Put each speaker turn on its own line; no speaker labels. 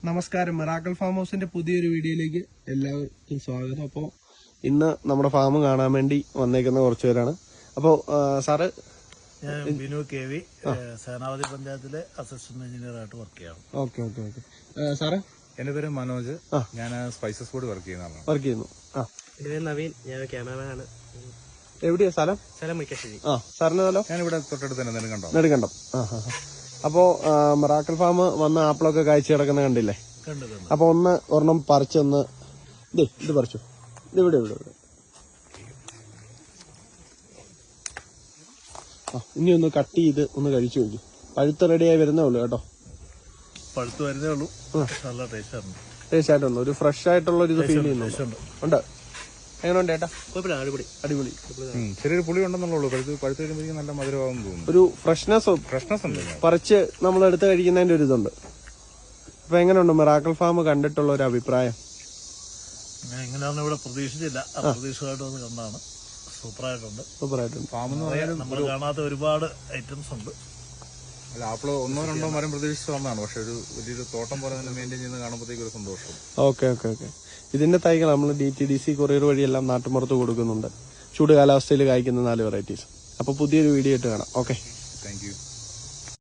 നമസ്കാരം, miracle farm ഹൗസിന്റെ പുതിയൊരു വീഡിയോയിലേക്ക് എല്ലാവർക്കും സ്വാഗതം. അപ്പോൾ ഇന്ന് നമ്മുടെ ഫാം കാണാൻ വേണ്ടി വന്നേക്കുന്ന കുറച്ച് പേരാണ്. അപ്പോൾ സാറ്,
ഞാൻ ബിനു കെ വി, സേനാപതി പഞ്ചായത്തിലെ അസിസ്റ്റന്റ് എഞ്ചിനീയർ ആയിട്ട് വർക്ക് ചെയ്യാണ്.
Okay okay okay. സാറ്?
എന്റെ പേര് മനോജ്, ഞാൻ സ്പൈസസ് ബോർഡ് വർക്ക് ചെയ്യുന്നു.
എന്റെ പേര് നവീൻ, ഞാൻ ക്യാമറമാൻ ആണ്.
എവിടെയാ സ്ഥലം?
സ്ഥലം മുരിക്കാശ്ശേരി.
സാറിന്റെ സ്ഥലം?
ഞാനിവിടെ തൊട്ടടുത്ത് തന്നെ
നെടുങ്കണ്ടം. അപ്പോ മിറാക്കിൾ ഫാം വന്ന ആപ്പിളൊക്കെ കാഴ്ച കിടക്കുന്ന കണ്ടില്ലേ? അപ്പൊ ഒരെണ്ണം പറിച്ചൊന്ന് ഇത് പറിച്ചു. ഇവിടെ ഇനി ഒന്ന് കട്ട് ചെയ്ത് ഒന്ന് കഴിച്ചു നോക്കി. പഴുത്ത് റെഡിയായി വരുന്നേ ഉള്ളൂ കേട്ടോ.
പഴുത്ത് വരുന്നേ ഉള്ളൂ. നല്ല
ടേസ്റ്റ് ആയിട്ടുണ്ട്. ഒരു ഫ്രഷ് ആയിട്ടുള്ള ഒരു ഇത് ഫീൽ ചെയ്യുന്നുണ്ട്. ഉണ്ട്. എങ്ങനെയുണ്ട് ചേട്ടാ? അടിപൊളി.
ചെറിയൊരു പുളി ഉണ്ടെന്നുള്ളൂ. പഴുത്ത് കഴിയുമ്പോഴേക്കും നല്ല മധുരമാകും തോന്നുന്നു.
ഒരു ഫ്രഷ്നെസ് ഉണ്ട്. പറിച്ച് നമ്മൾ എടുത്ത് കഴിക്കുന്നതിന്റെ ഒരു ഇതുണ്ട്. അപ്പൊ എങ്ങനെയുണ്ട് മിറാക്കിൾ ഫാം കണ്ടിട്ടുള്ള ഒരു അഭിപ്രായം?
എങ്ങനെയാണെന്ന് ഇവിടെ പ്രതീക്ഷിച്ചില്ല. അപ്രതീക്ഷിതമായിട്ട് വന്ന് കണ്ടാണ്. സൂപ്പറായിട്ടുണ്ട്.
ഫാം എന്ന് പറയാൻ
നമ്മൾ കാണാത്ത ഒരുപാട് ഐറ്റംസ് ഉണ്ട്.
അല്ല, ആപ്പിള് ഒന്നോ രണ്ടോ മരം പ്രതീക്ഷിച്ച് വന്നതാണ്. പക്ഷെ ഒരു വലിയൊരു തോട്ടം പോലെ തന്നെ മെയിൻറ്റെയിൻ ചെയ്യുന്നത് കാണുമ്പോഴത്തേക്ക് ഒരു സന്തോഷം.
ഓക്കെ. ഇതിന്റെ തൈകൾ നമ്മൾ DTDC കൊറിയർ വഴിയെല്ലാം നാട്ടുമ്പുറത്ത് കൊടുക്കുന്നുണ്ട്. ചൂട് കാലാവസ്ഥയിൽ കായ്ക്കുന്ന 4 വെറൈറ്റീസ്. അപ്പൊ പുതിയൊരു വീഡിയോ ആയിട്ട് കാണാം. Okay,
thank U.